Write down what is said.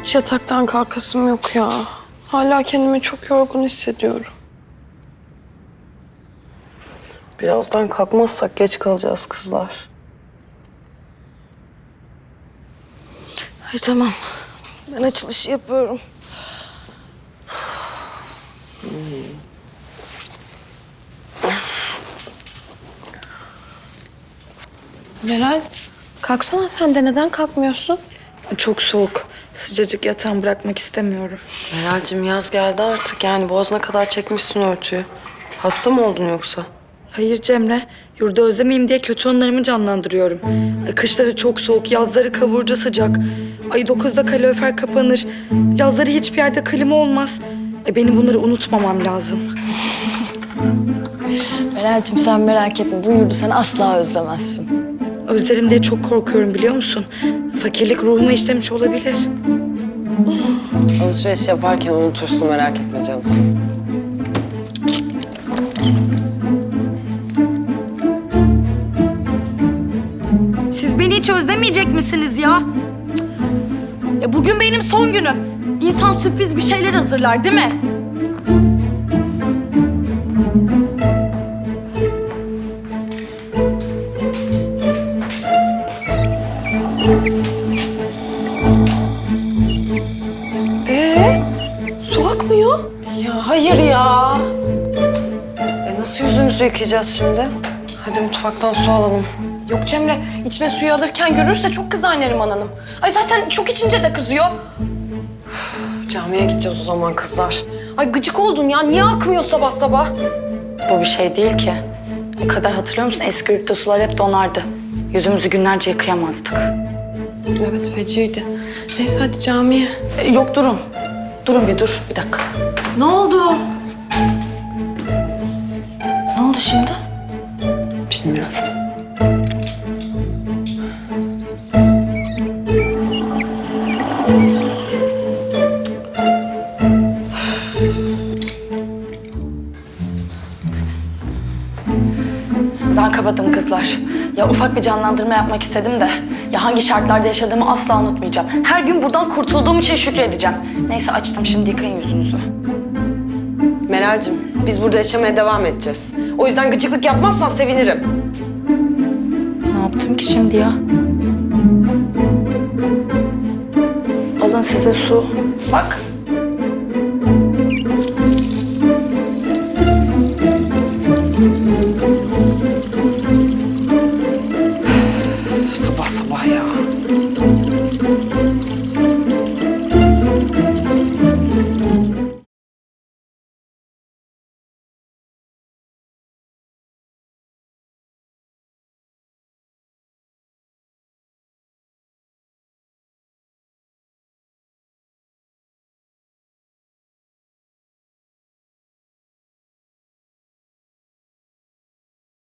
Hiç yataktan kalkasım yok ya. Hala kendimi çok yorgun hissediyorum. Birazdan kalkmazsak geç kalacağız kızlar. Ay tamam. Ben açılışı yapıyorum. Meral, kalksana sen de. Neden kalkmıyorsun? Çok soğuk. Sıcacık yatağımı bırakmak istemiyorum. Meral'cim yaz geldi artık. Yani boğazına kadar çekmişsin örtüyü. Hasta mı oldun yoksa? Hayır Cemre, yurda özlemeyeyim diye kötü anılarımı canlandırıyorum. Kışları çok soğuk, yazları kavurucu sıcak. Ay 9'da kalorifer kapanır. Yazları hiçbir yerde klima olmaz. Benim bunları unutmamam lazım. Meral'cim sen merak etme. Bu yurdu sen asla özlemezsin. Özlerim diye çok korkuyorum biliyor musun? Fakirlik ruhuma işlemiş olabilir. Alışveriş yaparken unutursun, merak etme canısı. Siz beni hiç özlemeyecek misiniz ya? Ya bugün benim son günüm. İnsan sürpriz bir şeyler hazırlar değil mi? Su akmıyor. Ya hayır ya. Nasıl yüzümüzü yıkayacağız şimdi? Hadi mutfaktan su alalım. Yok Cemre, içme suyu alırken görürse çok kızar Neriman Hanım. Ay zaten çok içince de kızıyor. Camiye gideceğiz o zaman kızlar. Ay gıcık oldum ya, niye akmıyor sabah sabah? Bu bir şey değil ki. Kader hatırlıyor musun? Eski yurtta sular hep donardı. Yüzümüzü günlerce yıkayamazdık. Evet, feciydi. Neyse hadi camiye. Yok durun. Durun bir dur. Bir dakika. Ne oldu? Ne oldu şimdi? Bilmiyorum. Ben kapadım kızlar. Ya ufak bir canlandırma yapmak istedim de. Ya hangi şartlarda yaşadığımı asla unutmayacağım. Her gün buradan kurtulduğum için şükredeceğim. Neyse açtım, şimdi yıkayın yüzünüzü. Meral'cim, biz burada yaşamaya devam edeceğiz. O yüzden gıcıklık yapmazsan sevinirim. Ne yaptım ki şimdi ya? Alın size su. Bak.